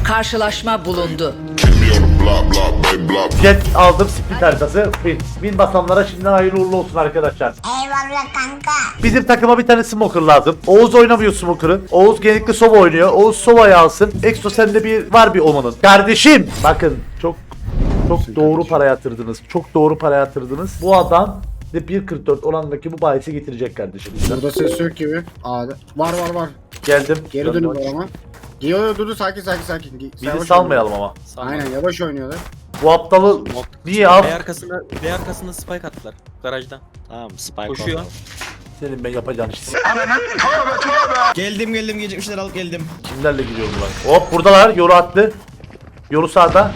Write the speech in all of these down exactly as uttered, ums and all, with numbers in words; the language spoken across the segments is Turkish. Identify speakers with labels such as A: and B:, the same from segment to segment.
A: Karşılaşma bulundu.
B: Jet aldım, split haritası. Bin, bin basamlara şimdiden hayırlı uğurlu olsun arkadaşlar.
C: Eyvallah kanka.
B: Bizim takıma bir tane smoker lazım. Oğuz oynamıyor smoker'ı. Oğuz genellikle Sova oynuyor. Oğuz Sova'yı alsın. Exo sende bir var bir omanın. Kardeşim! Bakın çok çok doğru para yatırdınız. Çok doğru para yatırdınız. Bu adam de bir kırk dört oranındaki bu bahisi getirecek kardeşim.
D: Burada ses yok gibi. Aa, var var var.
B: Geldim.
D: Geri dönüyorlar ama. Yo yo dur dur sakin sakin sakin.
B: Bizi
D: Yavaş
B: salmayalım ama.
D: oynuyor. Aynen yavaş oynuyorlar.
B: Bu aptalı niye al?
E: B arkasında, B arkasında spike attılar garajda.
F: Tamam spike
E: Koşuyor.
F: oldu.
B: Senin ben yapacağım iş.
G: Geldim geldim gecikmişler alıp geldim.
B: Kimlerle gidiyorum lan? Hop buradalar. Yoru attı. Yoru sağda.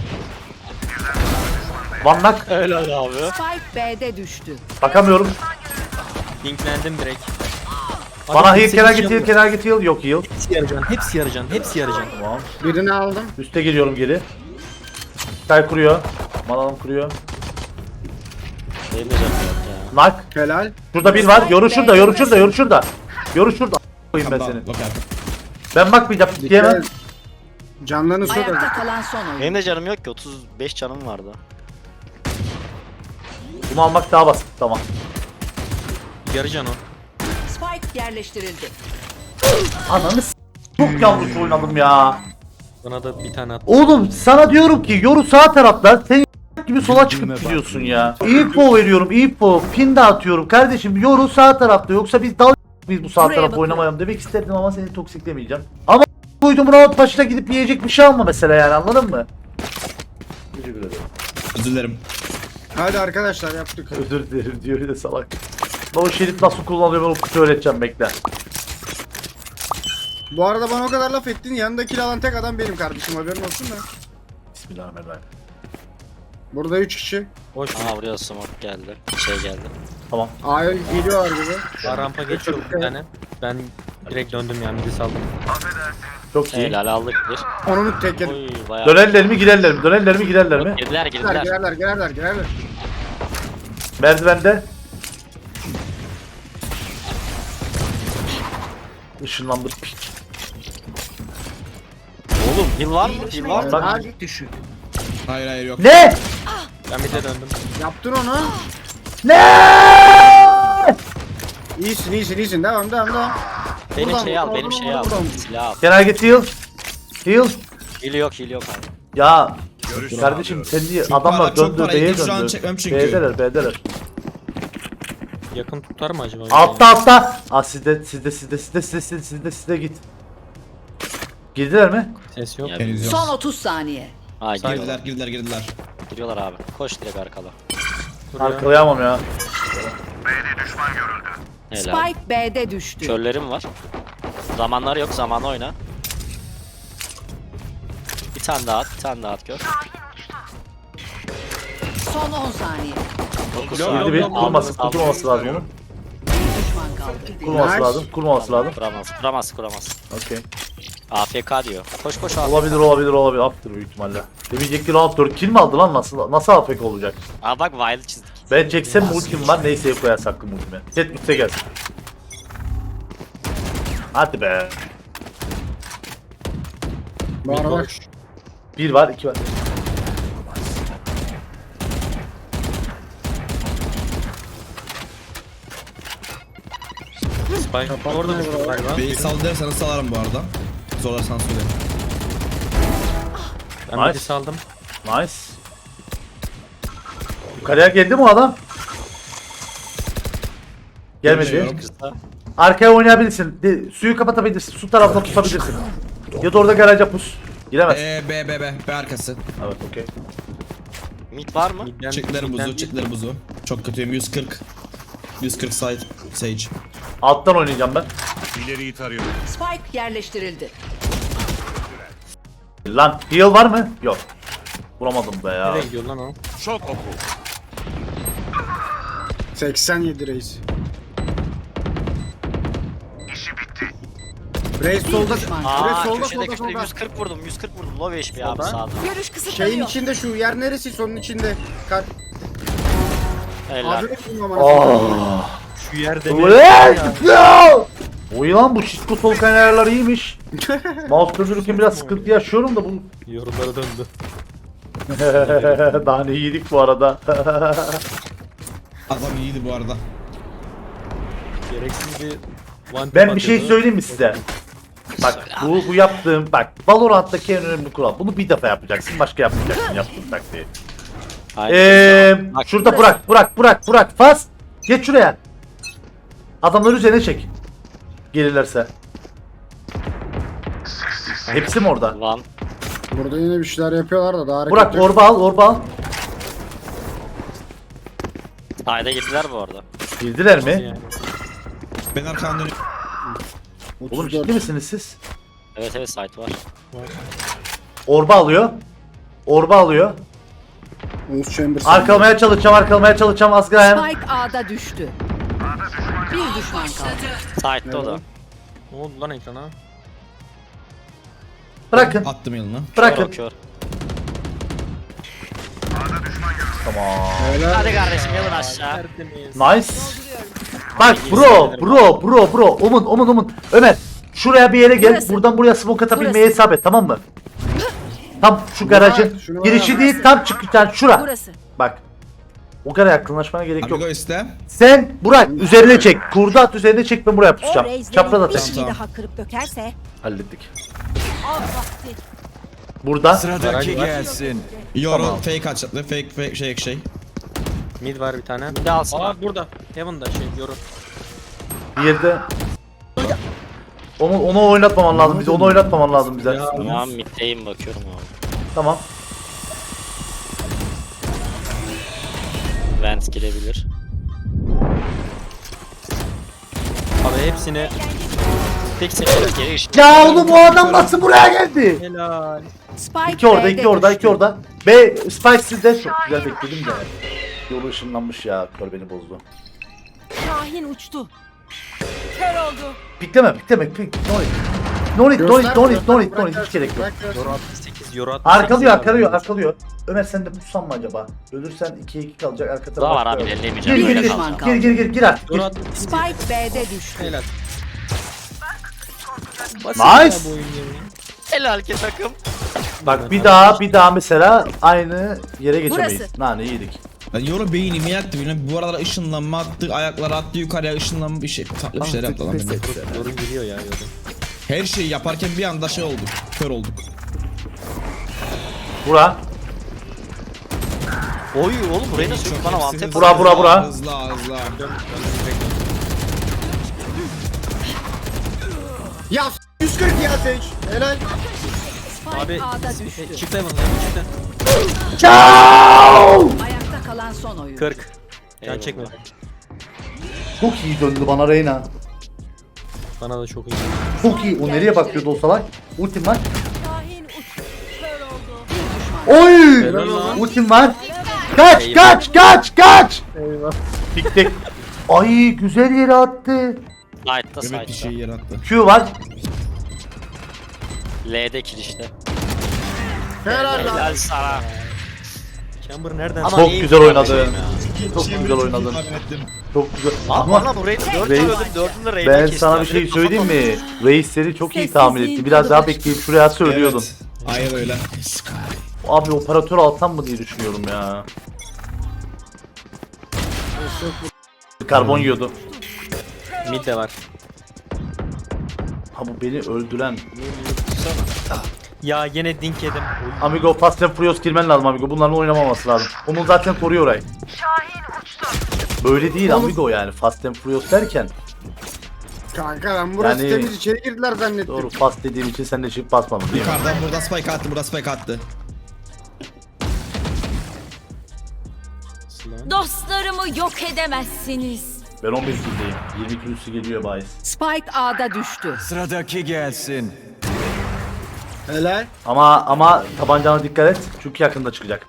B: Vannak.
F: Helal abi.
A: Spike B'de düştü.
B: Bakamıyorum.
E: Linklendim direkt.
B: Bana
E: Adam
B: heal,
E: hepsi
B: kenar
E: hiç
B: git heal,
E: yapmıyor.
B: kenar git heal. Yok heal.
E: Hepsi yaracan, hepsi yaracan, hepsi yaracan.
B: Tamam.
D: Birini aldım.
B: Üste geliyorum geri. Sky kuruyor. Manalım kuruyor.
F: Benim de canım yok ya.
B: Nak.
D: Helal.
B: Şurada bir var. Yoru şurada, yoru şurada, yoru şurada. Yoru şurada. Koyayım ben
G: Tamam,
B: seni.
G: bak abi.
B: Ben bakmayacağım. Diyemem.
D: Canlarını su
A: Ayakta
D: da.
A: kalan son oyun.
F: Benim de canım yok ki otuz beş canım vardı.
B: Bunu almak daha basit. Tamam.
E: Yaracan o.
A: Spike yerleştirildi.
B: Ananı s*** çok yanlış oynadım ya.
E: Bana da bir tane at.
B: Oğlum sana diyorum ki yoru sağ tarafta. Sen gibi sola çıkıp gidiyorsun ya. Info veriyorum, info. Pin de atıyorum. Kardeşim yoru sağ tarafta. Yoksa biz dal biz bu sağ
A: Buraya
B: tarafı
A: bakın.
B: oynamayalım demek isterdim ama seni toksiklemeyeceğim. Ama koydum round başına gidip yiyecek bir şey alma mesela yani, anladın mı? Teşekkür ederim.
G: Özür dilerim.
D: Hadi arkadaşlar yaptık.
B: Özür dilerim diyor de salak. Ben o şerit nasıl kullanılıyor ben o kutu öğreteceğim, bekle.
D: Bu arada bana o kadar laf ettin. Yanındaki alan tek adam benim kardeşim. Haberin olsun da.
B: Bismillahirrahmanirrahim.
D: Burada üç kişi.
E: Hoş.
F: Aha buraya smoke geldi. Şey geldi.
B: Tamam.
D: A'ya geliyorlar gibi.
E: Aa, rampa geçiyor bir tane. Ben direkt döndüm yani midi saldım.
B: Çok iyi.
F: Helal aldık bir.
D: Onun tek yedim.
F: Oy bayağı.
B: Dönerler mi girerler mi? Dönerler mi girerler mi?
F: Girdiler
D: Girerler
F: girdiler.
D: girerler girerler girerler.
B: Merdivende. Işınlandır piç.
F: Oğlum heal var mı? Heal var mı?
B: Bak.
A: Düşük.
G: Hayır hayır yok.
B: Ne?
E: Ben mid'e döndüm.
D: Yaptın onu.
B: Ne?
D: İyisin iyisin iyisin. Devam devam devam.
F: Benim
D: Buradan,
F: şeyi al,
D: buradan,
F: benim
D: buradan,
F: şeyi al.
D: buradan.
F: Silah al.
B: Kenar git heal. Heal.
F: Heal yok, heal yok abi.
B: Ya kardeşim sen niye
G: Çok
B: adamlar
G: para, çok
B: döndü
G: para.
B: B'ye
G: Yedim, şu an
B: döndü.
G: çekmem çünkü.
B: B'deler B'deler.
E: Yakın tutar mı acaba?
B: Altta altta. Aa sizde sizde sizde sizde sizde sizde sizde sizde git. Girdiler mi?
E: Ses yok.
F: Ya,
G: Henüz yok.
A: Son otuz saniye.
F: ha
G: Girdiler
F: giriyorlar.
G: girdiler girdiler.
F: Giriyorlar abi. Koş direkt arkala.
E: Buraya.
B: Arkalayamam ya.
F: Helal.
A: Spike B'de düştü.
F: Körlerim var. Zamanları yok, zamanı oyna. Bir tane daha at, bir tane daha at gör.
A: Son on saniye.
F: dokuz
E: Yok,
F: saniye.
B: Girdi bir
E: yok,
B: kurması
F: Aldı,
B: kurmaması lazım onun.
A: Bir düşman kaldı.
B: Kurmaması
D: Nice.
B: lazım. Kurmaması lazım.
F: Kuramaz, kuramaz, kuramaz.
B: Okey.
F: A F K diyor. Koş koş A F K.
B: Olabilir olabilir olabilir. Aptır büyük ihtimalle. Demeyecek round dört kill mi aldı lan, nasıl nasıl A F K olacak?
F: Aa bak wild çizdik.
B: Ben çeksem ultim var, neyse koyar saklım ultime. Jet üstte gelsin. Hadi be.
D: Var var.
B: Bir var, iki var.
E: Spike orada düştü galiba.
G: B'yi sal dersen salarım bu arada. Zorlarsan söyle.
E: Ben
B: Nice.
E: midi saldım.
B: Nice. Yukarıya geldi mi o adam? Gelmedi.
G: Gelmiyor.
F: Kızda.
B: Arkaya oynayabilirsin. De, suyu kapatabilirsin. Su tarafına tutabilirsin. Ya da orada garaja pus. Giremez.
G: Eee B B B B arkası.
B: Evet, okey.
F: Mid var mı?
E: Midden,
G: Çıktılar
E: midden
G: buzu
E: değil.
G: çıktılar buzu. Çok kötüyüm yüz kırk. yüz kırk side Sage.
B: Alttan oynayacağım ben.
H: İleriyi tarıyorum.
A: Spike yerleştirildi.
B: Lan heal var mı? Yok. Vuramadım be ya.
E: Nereye gidiyor lan o?
H: Şok oku.
D: seksen yedi reis. Reis solda. Reis
F: Aa
D: solda
F: köşede
D: solda
F: köşede
D: solda.
F: yüz kırk vurdum, yüz kırk vurdum. Low H P abi
E: Solda.
F: sağda.
A: Görüş
D: Şeyin
A: kısıtlanıyor.
D: içinde şu yer neresi? Sonun içinde. Kar.
F: Helal.
D: Abi ne bulmam
B: Oh.
E: Şu yerde ne?
B: Let's go! Oy lan bu şişko sol ayarlar iyiymiş. Mouse döndürürken biraz sıkıntı yaşıyorum da bu.
E: Yorumlara döndü.
B: Daha ne yedik bu arada.
G: Adam iyiydi bu arada.
E: Gereksiz bir one
B: Ben bir şey söyleyeyim mi size? Bak bu, bu yaptığım bak Valorant'taki en önemli kural. Bunu bir defa yapacaksın, başka yapmayacaksın yaptığın taktiği.
F: Aynen.
B: Eee
F: Bak,
B: şurada Burak Burak Burak Burak fas. Geç şuraya. Adamları üzerine çek. Gelirlerse. Hepsi mi orada?
F: Van.
D: Burada yine bir şeyler yapıyorlar da daha hareket
B: Burak
D: yok.
B: orba al orba al.
F: Ayda gittiler bu arada.
B: Girdiler mi?
E: Yani.
G: Ben arkadan dönüyorum.
B: Oğlum
D: otuz dört.
B: ciddi misiniz siz?
F: Evet evet site var.
B: Orba alıyor. Orba alıyor.
D: Oğuz Chambers.
B: Arkalamaya çalışacağım, arkalamaya çalışacağım az gayen.
A: Spike A'da düştü. Bir düşman kaldı.
F: Site'de o da.
E: Ne oldu lan ekrana?
B: Bırakın,
G: Attım yanına.
B: bırakın.
F: Kör, kör.
B: Tamam.
F: Hadi kardeşim yalın aşağı.
E: Tertemiz.
B: Nice. Bak bro, bro, bro, bro. Omun, omun, omun. Ömer, şuraya bir yere gel.
A: Burası.
B: Buradan buraya smoke atabilmeyi
A: Burası.
B: hesap et, tamam mı? Tam şu garajın
D: şunu
B: girişi
D: bana-
B: değil, tam çıkacağın şura.
A: Burası.
B: Bak. O kadar yakınlaşmana gerek yok.
G: Amigo iste.
B: Sen Burak üzerine çek. Kurdu at üzerine çek, ben buraya
C: O
B: pusacağım.
C: reislerin
B: Çapraz
C: bir
B: ateş.
C: şeyi
G: Tamam.
C: daha kırıp dökerse
B: Hallettik.
C: al vakti.
B: Burada.
E: Sıradaki gelsin.
G: Yoru
B: Tamam.
G: fake açtı. Fake fake şey şey.
E: Mid var bir tane.
F: Bir de alsana.
E: Aa burada. Heaven'da şey yorum.
B: Bir yerde. Onu, onu oynatmaman lazım bize. Onu oynatmaman lazım bize.
E: Ya.
F: Tamam middeyim bakıyorum abi.
B: Tamam.
F: Vent girebilir.
E: Abi hepsini
F: Tek seçenek geri ışık.
B: Ya oğlum bu adam nasıl buraya geldi?
E: helal.
A: Spike
B: İki orada,
A: B'de
B: iki orada,
A: düştü.
B: iki orada. B, Spike sizde. Çok güzel bekledim de. Yolu ışınlanmış ya. Kör beni bozdu.
C: Şahin uçtu. Kör oldu.
B: Pikleme, pikleme. Pik. No need. No need, no need, no need, no need, no need. Hiç gerek yok.
D: Bırak, bırak.
E: Yoru altmış sekiz, yoru altmış sekiz.
B: Arkalıyor, arkalıyor, arkalıyor. Ömer sen de pussan mı acaba? Ölürsen ikiye iki kalacak arka tarafa.
F: Daha var abi
B: Gir,
F: ellemeyeceğim.
B: gir,
F: Böyle
B: gir,
F: kalacağım.
B: gir, gir, gir, gir artık.
E: Yoru
B: Gir.
E: altmış sekiz.
A: Spike B'de düştü.
E: Helal. Basit
B: Nice.
E: ya bu oyun ya.
F: Helal ki takım.
B: Bak bir daha, bir daha mesela aynı yere geçemeyiz.
A: Burası.
B: Nane yedik.
G: Ben yoru beynimi yaktı. Bilmem bu aralar ışınlanma attı. Ayakları attı yukarıya ışınlanma bir şey. Tatlı bir şeyler yaptı lan benim.
E: Yorum giriyor ya yorum.
G: Her şeyi yaparken bir anda şey olduk. Kör olduk.
B: Bura.
F: Oy oğlum burayı nasıl
G: Çok
F: bana
G: hepsi
F: vantep.
G: hızlı,
B: Bura, bura, bura.
G: Hızlı hızlı.
E: Dön, dön, direkt dön.
D: Ya s- yüz kırk ya Sage. Helal.
A: Spike
E: Abi
A: A'da
E: e,
A: düştü.
E: çift Heaven, Heaven çifte.
B: Ciao!
A: Ayakta kalan son oyun.
E: kırk. Can
F: Eyvallah.
E: çekme.
B: Çok iyi döndü bana Reyna.
E: Bana da çok iyi.
B: Çok iyi. O nereye bakıyordu o salak? Ultim var.
C: Şahin uçtu. Kör oldu.
B: Oy!
E: Helal lan.
B: Ultim var. Kaç,
E: Eyvah.
B: kaç, kaç, kaç!
E: Eyvah.
B: Tik tik. Ay güzel yere attı.
F: Site'da
G: Evet bir
F: site'da.
G: şey yarattı.
B: Q var.
F: L'de kirişte.
D: Helal lan.
F: Helal sana.
E: Chamber nereden?
F: Ama
B: Çok
F: iyi
B: güzel
F: bir
B: oynadın.
F: kardeşim ya.
B: Çok güzel oynadın. Çok güzel.
F: Abi
B: Ama
F: bana burayı dört
B: Reis-
F: öldüm dördünü de Reyna
B: ben
F: kesti.
B: sana
F: ya.
B: bir şey
F: Direkt
B: söyleyeyim
F: kafa
B: mi? Reisleri çok iyi
C: Sessizliğin
B: tahmin etti. Biraz
C: tadı
B: daha
C: var.
B: bekleyip şuraya söylüyordum.
G: Evet. Aynen öyle.
B: Abi operatör alsam mı diye düşünüyorum ya. Karbon yiyordu.
E: Mid de var.
B: Ha bu beni öldüren.
E: Ya yine dink yedim. Oy.
B: Amigo Fast and Furious girmen lazım Amigo. Bunların oynamaması lazım. Onun zaten koruyor orayı. Böyle değil Amigo yani. Fast and Furious derken.
D: Kanka ben burası
B: Yani-
D: temiz içeri girdiler zannettim.
B: Doğru fast dediğim için sen de çıkıp basmadın değil mi?
G: Yukarıdan burada spike attı. Burada spike attı.
C: Dostlarımı yok edemezsiniz.
B: Ben on bir kildeyim. yirmi kilosu geliyor bahis.
A: Spike A'da düştü.
H: Sıradaki gelsin.
D: Helal.
B: Ama ama tabancana dikkat et. Çünkü yakında çıkacak.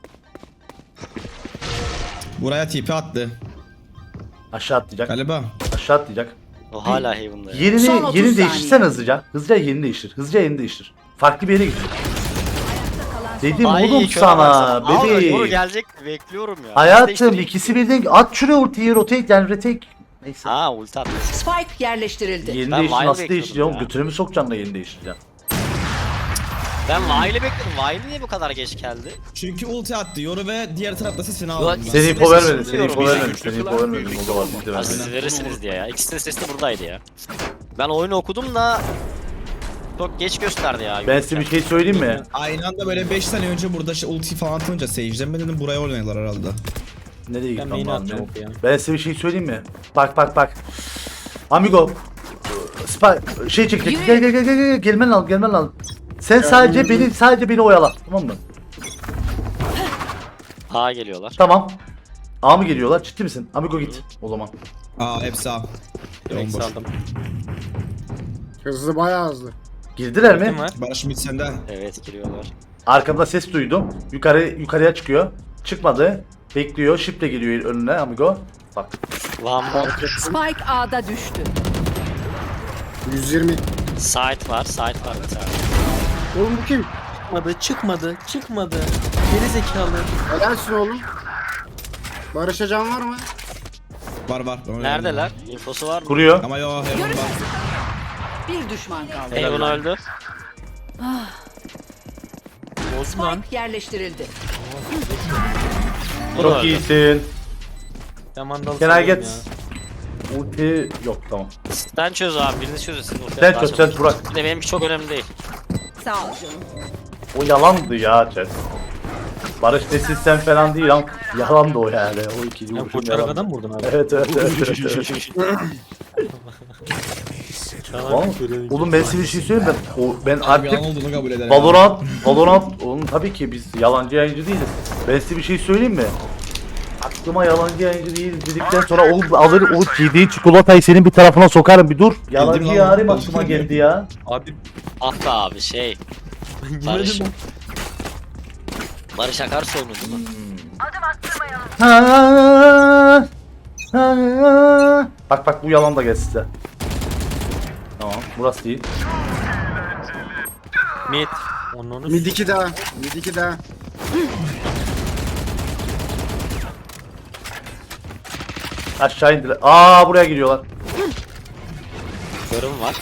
G: Buraya tipi attı.
B: Aşağı atlayacak.
G: Galiba.
B: Aşağı atlayacak.
F: O hala Haven'da ya.
B: Yerini
A: Son otuz
B: yerini
A: saniye.
B: değiştirsen hızlıca. Hızlıca yerini değiştir. Hızlıca yerini değiştir. Farklı bir yere git. Dedim
F: Ay,
B: oğlum
F: köre
B: sana
F: baksana. Al, doğru
B: bebeğim.
F: gelecek bekliyorum ya.
B: Hayatım
F: Değiştireyim.
B: ikisi birden at şuraya ultiyi rotate yani retake Neyse.
F: Ha ulti attı.
A: Spike yerleştirildi.
B: Yeni
F: Ben
B: değiştir
F: Vile
B: nasıl
F: bekliyordum
B: değiştireceğim?
F: ya.
B: Götünü mü sokacaksın da yeni değiştireceğim?
F: Ben Vile'i bekledim. Vile niye bu kadar geç geldi?
G: Çünkü ulti attı. Yoru ve diğer tarafta sesini aldım. ben.
B: Seni info vermedin, seni
F: Bilmiyorum
B: info
F: ya.
B: vermedin, seni info vermedin. O da var, biz de
F: Ha, siz
B: vermedik.
F: verirsiniz diye ya. İkisinin sesi de buradaydı ya. Ben oyunu okudum da çok geç gösterdi ya.
B: Ben size bir şey söyleyeyim mi?
G: Aynı anda böyle beş saniye önce burada şey ulti falan atınca Sage'den ben dedim buraya oynuyorlar herhalde.
B: Nereye
E: Ben
B: gitmem
E: main'i
B: lazım?
E: atacağım
B: benim?
E: oku ya.
B: Ben size bir şey söyleyeyim mi? Bak bak bak. Amigo. Spa şey çekecek.
A: Yürü.
B: Gel gel gel gel gel. Gelmen lazım, gelmen lazım. Sen sadece beni sadece beni oyala. Tamam mı?
F: Ha geliyorlar.
B: Tamam. A mı geliyorlar? Ciddi misin? Amigo git o zaman.
G: Aa hepsi A.
E: Direkt
G: Bomboş.
E: saldım.
D: Hızlı bayağı hızlı.
B: Girdiler mi?
E: Kim var?
G: Barış Mid sende.
F: Evet giriyorlar.
B: Arkamda ses duydum. Yukarı yukarıya çıkıyor. Çıkmadı. Bekliyor. Shift'le geliyor önüne Amigo. Bak.
F: Lan
A: Spike A'da düştü.
D: yüz yirmi.
F: site var. Site var bir tane.
D: Oğlum bu kim?
E: Çıkmadı, çıkmadı, çıkmadı. Geri zekalı.
D: Helalsin oğlum. Barış'a can var mı?
G: Var var. Öyle
F: Neredeler? İnfosu var mı?
B: Kuruyor.
G: Ama yo Heron var.
A: Bir düşman kaldı.
F: Hey bunu öldü.
E: Osman.
A: Spike yerleştirildi.
F: Bu da
B: Çok
F: öldü.
B: iyisin.
E: Ben mandalı
B: Can I
E: salıyorum
B: get
E: ya.
B: ulti yok tamam.
F: Sen çöz abi. Birini çözün. Siz
B: Sen çöz, sen Burak.
F: Bir de benimki çok önemli değil.
A: Sağ ol canım.
B: O yalandı ya chat. Barış desin sen falan değil lan. Yalandı o yani. O ikili
E: Sen
B: vuruşun
E: koçarak
B: yalandı.
E: adam mı vurdun abi?
B: Evet evet evet. evet, evet. Oğlum, oğlum ben size bir şey söyleyeyim ben. O, ben
G: Abi
B: artık
G: yalan olduğunu kabul ederim.
B: Valorant, Valorant, oğlum tabii ki biz yalancı yayıncı değiliz. Ben size bir şey söyleyeyim mi? Aklıma yalancı yayıncı değil dedikten sonra oğlum alır o yediğin çikolatayı senin bir tarafına sokarım bir dur. Yalancı
G: lan.
B: yarim aklıma geldi ya.
E: Abi
F: Ah be abi şey.
E: ben
F: Barış.
E: yemedim.
F: Barış Akarsu oyunu değil mi?
B: Ha, ha. Bak bak bu yalan da gelsin size. Tamam burası değil.
E: Mid. Onun onu.
D: Mid iki daha. Mid iki daha.
B: Aşağı indiler. Aa buraya giriyorlar.
F: Görüm var.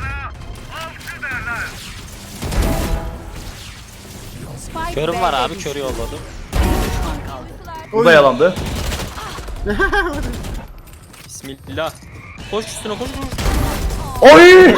A: Spike
F: Körüm var
A: B'de
F: abi.
A: düştü.
F: Körü yolladım.
A: Bir düşman kaldı.
B: Bu da yalandı.
E: Bismillah. Koş üstüne koş koş.
B: Oy!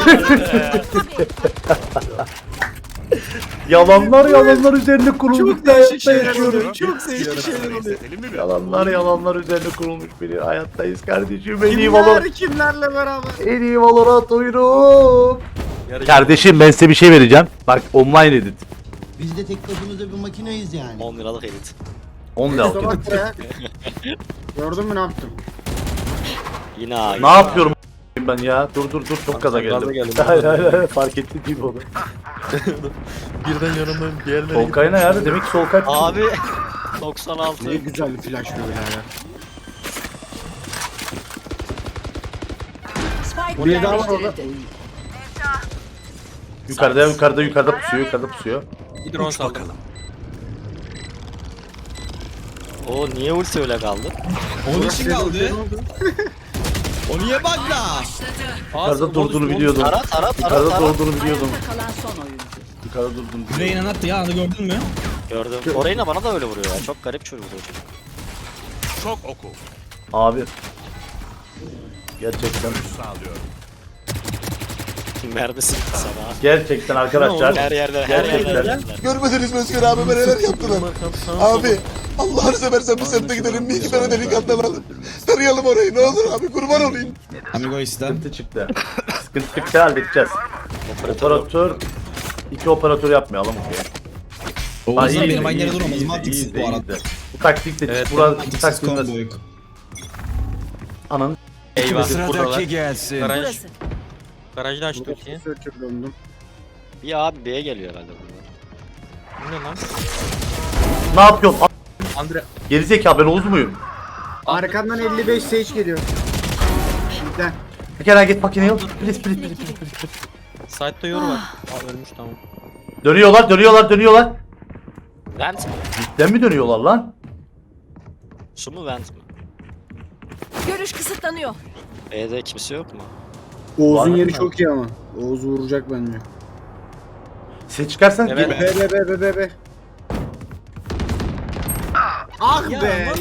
B: yalanlar yalanlar üzerine kurulmuş bir hayatta yaşıyoruz.
D: Çok değişik şeyler oluyor.
B: Yalanlar yalanlar üzerine kurulmuş bir hayattayız kardeşim. En iyi
D: Kimler
B: Valorant.
D: kimlerle beraber?
B: En iyi Valorant oyunu. Kardeşim ben size bir şey vereceğim. Bak online edit.
H: Biz de tek başımıza bir makineyiz yani.
F: on liralık edit.
B: on lira
D: Kusura bakma ya. Gördün mü ne yaptım?
F: Yine abi.
B: Ne yapıyorum ben ya? Dur dur dur çok gaza
E: sen gaza
B: geldim.
E: geldin.
B: Hayır hayır hayır fark etti değil mi onu?
E: Birden yanımdan diğerine.
B: Solkay ne ya? Demek ki Solkay.
F: Abi doksan altı.
D: Ne güzel bir flash böyle ya.
A: Spike
D: Buraya daha var orada.
A: yerleştirildi.
B: Yukarıda yukarıda yukarıda pusuyor yukarıda pusuyor.
E: Bir drone saldım.
F: O niye ulti öyle kaldı?
G: Onun için kaldı. O niye bug'da?
B: Yukarıda durduğunu biliyordum.
F: Tara tara tara
B: Yukarıda
F: tara.
B: durduğunu biliyordum.
A: Ayakta kalan son oyuncu.
B: Yukarıda durduğunu biliyordum.
G: Reyna attı ya onu gördün mü?
F: Gördüm. Orayına bana da öyle vuruyor ya. Çok garip çocuk bu çocuk.
B: Abi. Gerçekten.
F: Mermisi bitti sana.
B: Gerçekten arkadaşlar.
F: Her yerde her
B: Gerçekten.
F: yerde.
I: Görmediniz mi Özgür abi neler yaptılar? Abi Allah'ını seversen bir semte gidelim bir iki tane delikanlı alalım. Tarayalım orayı ne olur abi kurban olayım.
G: Amigo iste.
B: Sıkıntı çıktı. Sıkıntı çıktı halledeceğiz. Operatör. iki operatör yapmayalım.
G: Oğuz'la
B: iyi,
G: benim aynı
B: iyi,
G: yere duramaz.
B: iyi,
G: Mantıksız
B: iyi,
G: bu
B: iyi
G: arada.
B: de. Bu taktik de
E: Evet,
B: burada bu
G: Mantıksız
B: taktik de
G: komboyu.
B: ananın
E: Eyvah. Buradalar.
J: gelsin.
E: Garaj.
A: Burası.
E: Garajda açtı
D: Burada
E: ultiyi.
D: searcher döndüm.
F: Bir abi B'ye geliyor herhalde bunlar.
E: Bu ne lan?
B: ne yapıyorsun? A-
E: Andre.
B: Gerizekalı ben Oğuz muyum?
D: Arkandan elli beş sage geliyor. Midden.
B: Bir kere git makineyi al. Please please please please. please.
E: Side'da yoru var. Aa ölmüş tamam.
B: Dönüyorlar dönüyorlar dönüyorlar.
F: Vent mi?
B: Cidden mi dönüyorlar lan?
F: Su mu vent mi?
A: Görüş kısıtlanıyor.
F: B'de kimse yok mu?
D: Oğuz'un
B: Var
D: yeri
B: mı?
D: çok iyi ama. Oğuz vuracak bence.
B: Siz çıkarsan
E: Evet.
B: gel-
D: Be be be be be be. Ah be.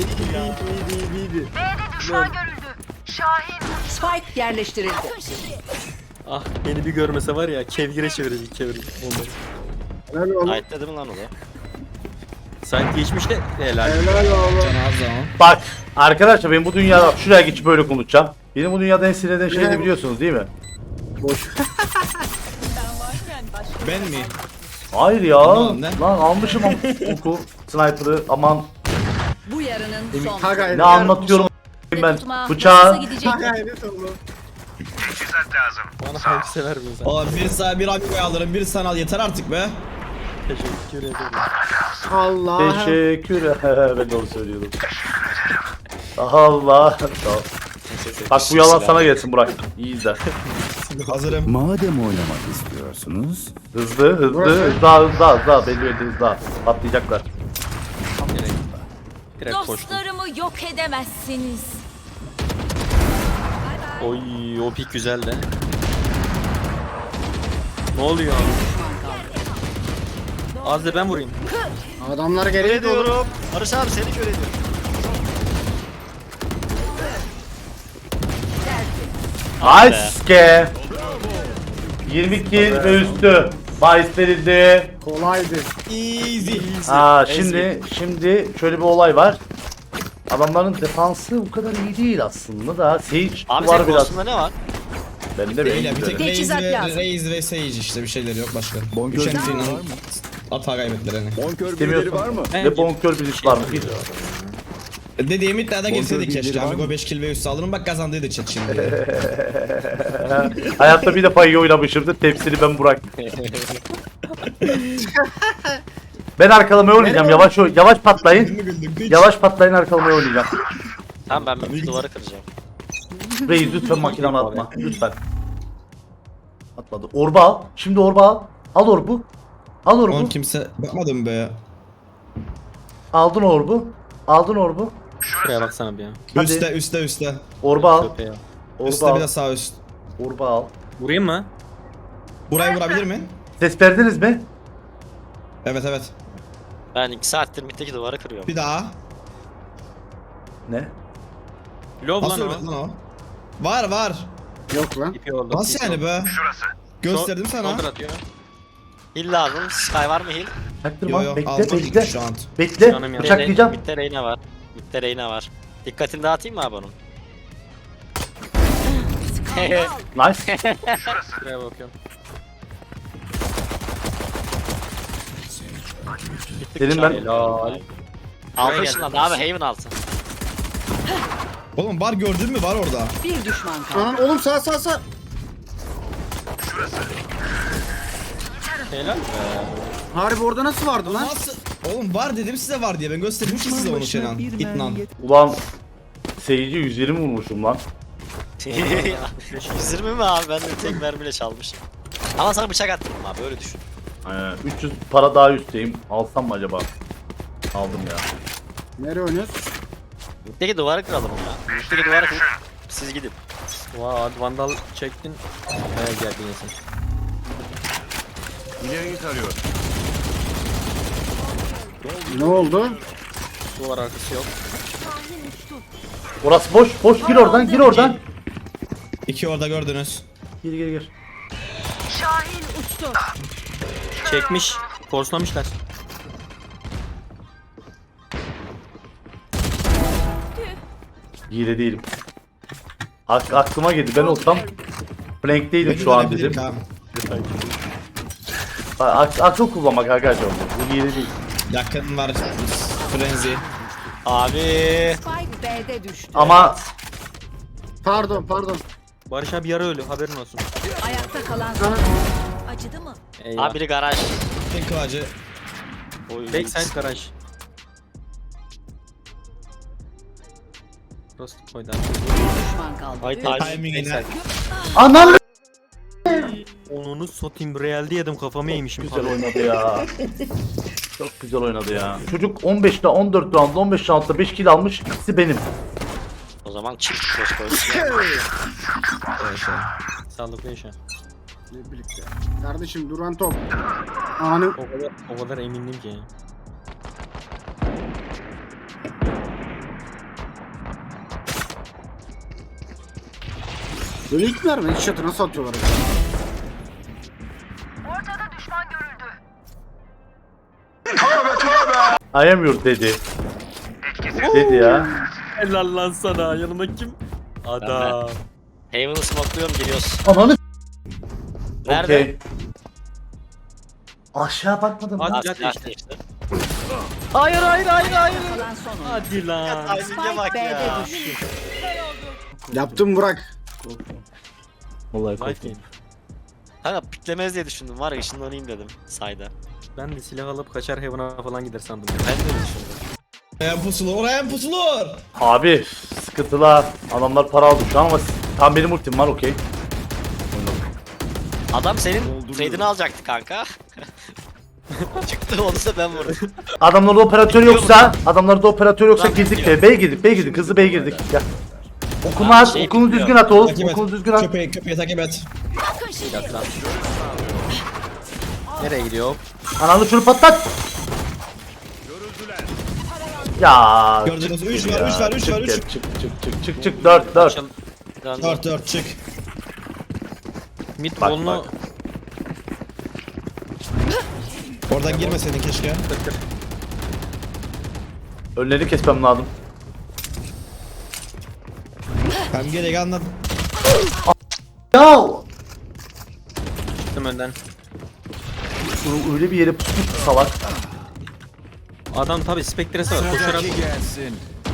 A: Spike yerleştirildi.
E: Ah beni bir görmese var ya kevgire çevirecek çevirecek onları.
D: Helal oğlum.
F: Ait dedim lan o da.
E: Sanki geçmiş de helal.
D: Helal oğlum.
G: Can az zaman.
B: Bak arkadaşlar ben bu dünyada şuraya geçip böyle konuşacağım. Benim bu dünyada en sinir eden şey
D: Ne?
B: ne biliyorsunuz değil mi?
D: Boş.
G: Ben mi?
B: Hayır ya.
G: Aman, ne?
B: Lan almışım am- oku sniper'ı aman
A: Bu yarının son.
D: Ha gayret.
B: ne anlatıyorum ben
C: Tutma.
B: bıçağı.
C: Nasıl gidecek?
D: Ha gayret oğlum.
E: Bana hangi sever mi sen?
G: Oğlum bir sana bir amigo alırım, bir sana al yeter artık be.
E: Teşekkür ederim.
D: Allah.
B: Teşekkür ben de onu söylüyordum. Allah. Tamam. Bak bu yalan sana gelsin Burak. İyi izle.
G: Hazırım.
J: Madem oynamak istiyorsunuz,
B: Hızlı hızlı
D: Burası.
B: hızlı hızlı hızlı belli belli hızlı patlayacaklar.
E: Direkt, direkt koştum.
C: Dostlarımı yok edemezsiniz.
E: Oy o pik güzel de. Ne oluyor abi? Az da ben vurayım.
D: Adamlar
F: Kör
D: geriye doğru.
F: ediyorum. Barış abi seni kör ediyorum.
B: Nice ke. yirmi kill ve üstü. Bahis verildi.
D: Kolaydı.
G: Easy.
B: Ha şimdi şimdi şöyle bir olay var. Adamların defansı bu kadar iyi değil aslında da Sage
F: Abi
B: var
F: senin
B: biraz.
F: Ghost'unda ne var?
B: Bende
G: Değil ya
B: benim
G: bir tek
B: de.
G: Raze
A: Teçhizat
G: ve,
A: lazım.
G: Raze ve Sage işte bir şeyleri yok başka.
J: bonkör
G: Üç
J: birileri
G: entry'nin
J: var mı?
G: hata kaybettiler hani.
J: Bonkör birileri var mı?
B: Ve bonkör birisi var mı? Bir.
G: Dediğim iddiada girseydik
J: birileri
G: keşke.
J: var mı?
G: Amigo beş kill ve üstü alırım bak kazandıydı chat şimdi.
B: Hayatta bir defa iyi oynamışımdır. Tepsini ben Burak. Ben arkalamaya oynayacağım. Yavaş oy- yavaş patlayın. Yavaş patlayın arkalamaya oynayacağım.
F: Tamam ben bir duvarı kıracağım.
B: Reis lütfen makinanı atma. Lütfen. Atmadı. Orba al. Şimdi orba al. Al orbu. Al orbu.
G: Oğlum kimse bakmadım be.
B: Aldın orbu. Aldın orbu.
E: Şuraya baksana bir ya.
B: Hadi.
G: Üste üste üste.
B: Orba al.
E: Köpeğe.
B: Orba
G: Üste bir
B: al.
G: de sağ üst.
B: Orba al.
E: Vurayım mı?
G: Burayı vurabilir mi?
B: Ses verdiniz mi?
G: Evet evet.
F: Ben iki saattir mitteki duvarı kırıyorum.
G: Bir daha.
B: Ne?
E: Lov lan
G: Nasıl
E: o.
G: öyle lan o? Var var.
D: Yok lan.
E: İpi oldu.
G: Nasıl yani be? Gösterdim sana.
E: Shoulder atıyor.
F: Heal lazım. Sky var mı heal?
B: Çaktırma.
G: Yo yo
B: bekle
G: aldım
B: bekle.
G: şu an.
B: Bekle.
E: Canım ya.
B: Bıçaklayacağım.
F: Mitte Reyna var. Mitte Reyna var. Dikkatini dağıtayım mı abi onun?
B: Nice.
E: Şuraya bakıyorum.
B: Dedim ben.
E: Helal.
F: Altı
E: Buraya
F: ışınlandı
E: geldi.
F: abi Haven altı.
G: Oğlum var gördün mü var orada.
A: Bir düşman kaldı.
D: Anan oğlum sağ sağ sağ.
E: Helal.
D: Harbi orada nasıl vardı lan?
G: Nasıl? Oğlum var dedim size var diye ben göstermiştim size onu Şenan. İtnan.
B: Ulan seyirci yüz yirmi vurmuşum lan.
F: yüz yirmi mi abi? Ben de tek mermiyle çalmışım. Ama sana bıçak attım abi öyle düşün.
B: Ee, üç yüz para daha üstteyim. Alsam mı acaba? Aldım ya.
D: Nereye oynuyoruz?
F: Mitteki duvarı kıralım ya. Mitteki duvarı kırıp siz gidin.
E: Vay hadi vandal çektin. Baya geldin ya sen.
J: İleriyi tarıyor.
D: Ne oldu?
E: Duvar arkası yok.
B: Orası boş. Boş gir oradan. Gir oradan.
G: İki orada gördünüz.
B: Gir gir gir.
E: Çekmiş. Forslamışlar.
B: Hile değilim. Ak aklıma geldi. Ben olsam flankteydim şu an dedim.
G: Tamam.
B: Ak akıl kullanmak arkadaşlar. Bu hile değil.
G: Yakın var. Frenzy.
F: Abi.
A: Spike B'de düştü.
B: Ama
D: Pardon pardon.
E: Barış abi yarı ölü haberin olsun.
A: Ayakta kalan son.
C: Acıdı mı?
E: Eyvah.
F: Abi biri garaj.
G: Tek kılacı.
F: Oy.
E: Backside garaj. Burası koydu abi.
A: Bir düşman kaldı.
F: Ay
A: Üç.
F: timing.
G: Timing'ine.
B: anam
E: Onu satayım realde yedim kafamı yemişim.
B: güzel oynadı ya. Çok güzel oynadı ya. Çocuk on beşte on dört round on beş roundda beş kill almış. İkisi benim.
F: O zaman çift flash koyduk.
E: Sağlıklı yaşa.
D: Ne birlikte. Kardeşim duran top. Anı.
E: O kadar, o kadar emindim ki.
D: Böyle ilk verme. Headshot'ı nasıl atıyorlar? acaba?
B: I am your dedi. Dedi ya.
E: Helal lan sana. Yanıma kim? Adam.
F: Haven'ı smokluyorum giriyoruz.
B: Ananı
F: Nerede?
B: Okey. Aşağı bakmadım.
E: Hadi
F: Ha,
E: silah
F: silah
E: değiştir.
F: değişti.
E: Hayır hayır hayır hayır.
A: Kalan son oyuncu.
E: Hadi lan.
F: Timing'e
A: Spike
F: bak
A: B'de
F: ya.
A: düştü.
D: Yaptım Burak.
B: Vallahi
E: Life
B: korktum.
E: game.
F: Kanka piklemez diye düşündüm var ya ışınlanayım dedim sayda.
E: Ben de silah alıp kaçar Heaven'a falan gider sandım.
F: Ben de düşündüm.
G: Oraya pusulur, oraya pusulur.
B: Abi sıkıntılar. Adamlar para aldı şu an ama tam benim ultim var okey.
F: Adam senin trade'ini alacaktı kanka. Çıktı onu da ben vurdum.
B: Adamlarda operatör yoksa, adamlarda operatör yoksa
F: Lan
B: girdik
F: gidiyor.
B: be. B'ye girdik, B'ye girdik. Hızlı B'ye girdik. Gel. Okunu
F: Abi
B: at,
F: şey
B: okunu
F: bilmiyor.
B: düzgün at Oğuz.
G: Takip et.
B: Okunu düzgün at.
G: Köpeği, köpeği takip et.
E: Yat lan. Nereye gidiyor?
B: Ananı şunu patlat. Ya.
G: Gördünüz,
B: çık
G: üç
B: geri
G: var,
B: ya.
G: üç var, üç
B: Çık
G: var,
B: geri,
G: üç.
B: Çık çık çık çık çık dört dört.
F: Açıl. Döndü.
G: Dört dört çık.
E: Mid
B: Bak,
E: bolunu
G: Oradan girmeseydin keşke.
B: Önlerini kesmem lazım.
G: Ben gerek anladım.
B: Ya.
E: çıktım önden.
B: Şunu öyle bir yere pusmuş ki salak.
E: Adam tabi spektresi var. Koşarak
J: gelsin.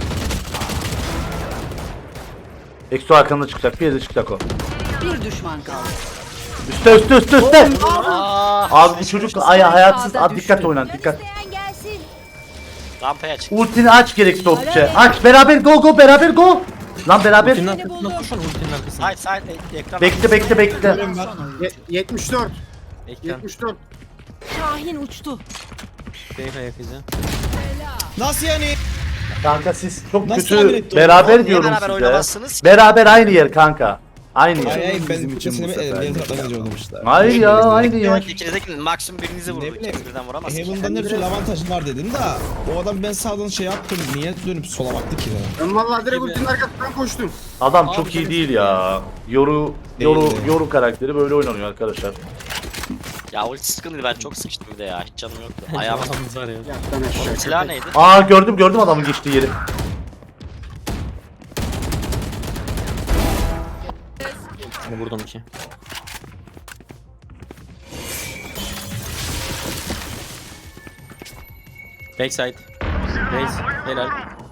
B: Exo arkanında çıkacak. Bir yerde çıkacak o.
A: Bir düşman kaldı.
B: Üste üste üste üste.
F: Aa,
B: Abi bu çocuk ay hayatsız. Abi dikkat oynan dikkat.
F: rampaya çık.
B: Ultini aç gerekli oldukça. Aç beraber go go beraber go. Lan beraber.
E: ultinin arkasına koşun ultinin arkasına.
F: Side side ekran.
B: Bekle bekle bekle.
D: Ye- yetmiş dört.
E: Ekran.
D: yetmiş dört.
A: Şahin uçtu.
E: Beyef ayak izi.
G: Nasıl yani?
B: Kanka siz çok
G: Nasıl tahmin
B: kötü
G: ettin
B: beraber
F: Niye
B: diyorum
F: beraber
B: size.
F: oynamazsınız?
B: Beraber aynı yer kanka. Aynı
G: Hayır
B: yer.
G: hayır ben
J: Bizim için
G: sesini
J: bu
G: etmedim.
J: sefer
G: Diğer
J: de
G: taraftan gidiyordum.
B: Hayır ya aynı yer.
F: İkinizdeki maksimum birinizi vurdu.
G: Ne bileyim.
F: İkiniz birden vuramazsın.
G: Heaven'dan ne türlü avantajım var dedim da o adam ben sağdan şey yaptım niye dönüp sola baktı ki de.
D: Ben vallahi direkt ultinin arkasından koştum.
B: Adam
E: Abi
B: çok iyi
E: benim-
B: değil ya. Yoru Yoru
G: Değil.
B: Yoru karakteri böyle oynanıyor arkadaşlar.
F: Ya ulti sıkıntıydı ben çok sıkıştım bir de ya. Hiç canım yoktu. Ayağım.
E: Ayağımız var ya.
D: Yattan aşağı.
F: Silah neydi?
B: Aa gördüm gördüm adamın geçtiği yeri.
E: Seni vurdum ki. Backside. Race. Helal.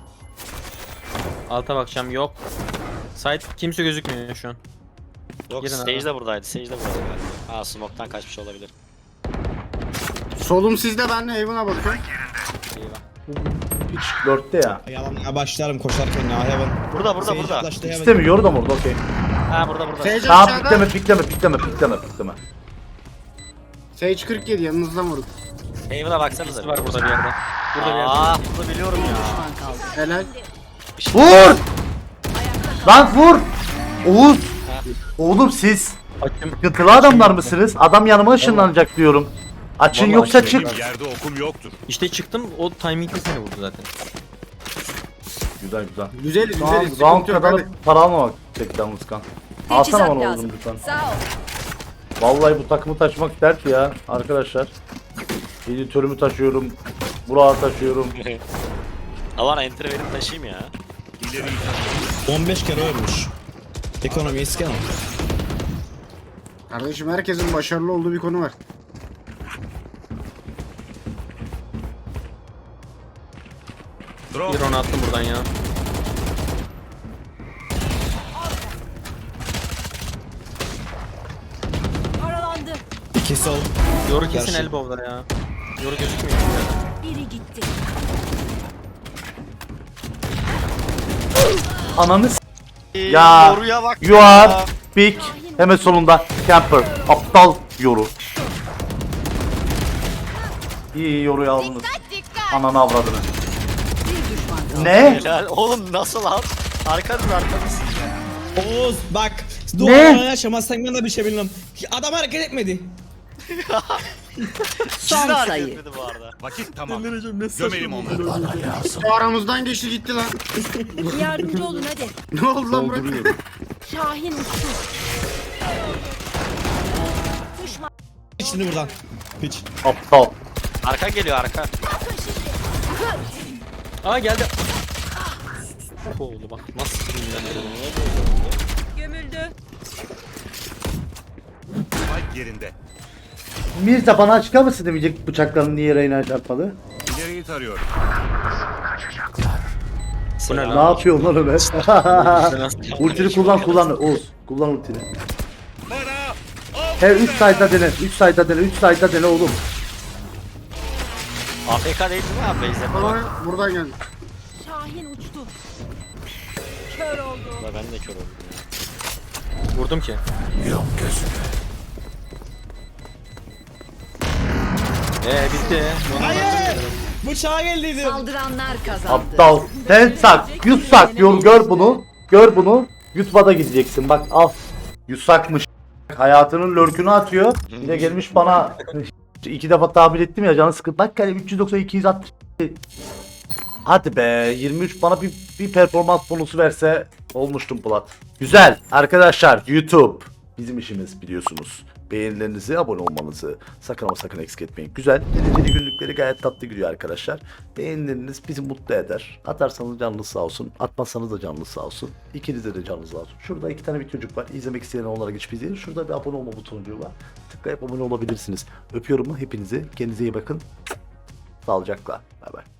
E: Alta bakacağım yok. Side kimse gözükmüyor şu an.
F: Yok
E: Girin
F: Sage
E: abi.
F: de buradaydı. Sage de buradaydı galiba. Aa smoke'tan kaçmış olabilir.
D: Solum sizde, ben de Haven'a bakıyorum.
F: Eyvah.
B: Hiç dörtte ya.
G: Yalan başlarım koşarken ya Heaven.
F: Burada burada burada.
G: Yaklaştı Heaven.
B: İstemiyor Yoru da mı orada okey.
F: Ha burada burada.
D: Sage
B: Tamam
D: aşağıda.
B: pikleme pikleme pikleme pikleme pikleme.
D: Sage kırk yedi yanınızdan vurun.
F: Haven'a baksanıza.
E: Birisi var burada bir yerde. Burada bir yerde.
F: Aa bunu biliyorum ya.
A: Düşman kaldı.
D: Helal.
B: Vur! Lan vur! Oğuz! Oğlum siz
E: Açım.
B: sıkıntılı adamlar mısınız? Adam yanıma ışınlanacak diyorum. Açın
E: Vallahi
B: yoksa
E: açın.
B: çık.
J: Yerde okum yoktur.
E: İşte çıktım o timing'de seni vurdu zaten.
B: Güzel güzel.
D: Güzel
B: Tamam,
D: güzel.
B: round
D: Sıkıntı yok
B: kadar
D: hadi.
B: para almamak çekti yalnız kan. Alsana
A: Teçhizat
B: bana
A: lazım.
B: oğlum lütfen.
A: Sağ ol.
B: Vallahi bu takımı taşımak dert ya arkadaşlar. Editörümü taşıyorum. Burak'ı taşıyorum.
F: Alan enter verip taşıyayım ya.
G: on beş kere ölmüş. Ekonomi iskan.
D: Kardeşim herkesin başarılı olduğu bir konu var.
E: Bir onu attım buradan ya.
C: Paralandı.
G: İki sol.
E: Yoru kesin
G: Gerçi.
E: elbow'da ya. Yoru gözükmüyor.
C: Biri gitti.
B: Ananı s-
F: Ee,
B: Ya,
F: Yoruya bak.
B: You are big. Hemen solunda. Camper. Aptal yoru. İyi yoruyu aldınız. Ananı avradını.
A: Bir düşman kaldı.
B: Ne?
F: Helal. Oğlum nasıl lan? Arkanız arkanız.
G: Oğuz bak.
B: Ne?
G: Doğru yaşamazsan ben de bir şey bilmem. Adam hareket etmedi.
A: Son
F: Siz de hareket
A: sayı.
F: etmedi bu arada.
J: Vakit tamam.
E: Delireceğim ne saçma.
D: O aramızdan geçti gitti lan.
C: Yardımcı olun hadi.
D: Ne oldu lan Burak?
C: Şahin uçtu. Düşman.
G: Şimdi buradan. Piç.
B: Aptal.
F: Arka geliyor arka.
E: Aa geldi. Oğlum bak nasıl sinirlendim.
C: Gömüldü.
J: Spike yerinde.
B: Mirza bana açıklar mısın demeyecek bıçakların niye Reyna'ya çarpmadı?
J: İleriyi tarıyorum.
E: Bu ne
B: Ne
E: lan?
B: yapıyorsun lan Ömer? Ultini kullan kullan Oğuz. Kullan ultini. He üç sayda dene, üç sayda dene, üç sayda dene oğlum.
F: A F K değil mi abi Beyza?
D: Bana buradan geldi.
C: Şahin uçtu. Kör oldu.
F: Ben de kör oldum.
E: Vurdum ki. Eee bitti.
G: Hayır. Bıçağa geldiydi.
A: Saldıranlar kazandı.
B: Aptal. Sen sak, yut sak. Yor, gör bunu. Gör bunu. Yutmada gideceksin. Bak al. Yusakmış. Hayatının lurkünü atıyor. Bir de gelmiş bana iki defa tahmin ettim ya canı sıkıntı. Bak hani üç yüz doksan iki yüz altmış. Hadi be yirmi üç bana bir, bir performans bonusu verse olmuştum Polat. Güzel arkadaşlar YouTube bizim işimiz biliyorsunuz. Beğenilerinizi, abone olmanızı sakın ama sakın eksik etmeyin. Güzel, dereceli günlükleri gayet tatlı gidiyor arkadaşlar. Beğenileriniz bizi mutlu eder. Atarsanız canınız sağ olsun, atmazsanız da canınız sağ olsun. İkinize de canınız sağ olsun. Şurada iki tane bir çocuk var. İzlemek isteyen onlara geçip izleyin. Şurada bir abone olma butonucuğu var. Tıklayıp abone olabilirsiniz. Öpüyorum hepinizi. Kendinize iyi bakın. Sağlıcakla. Bay bay.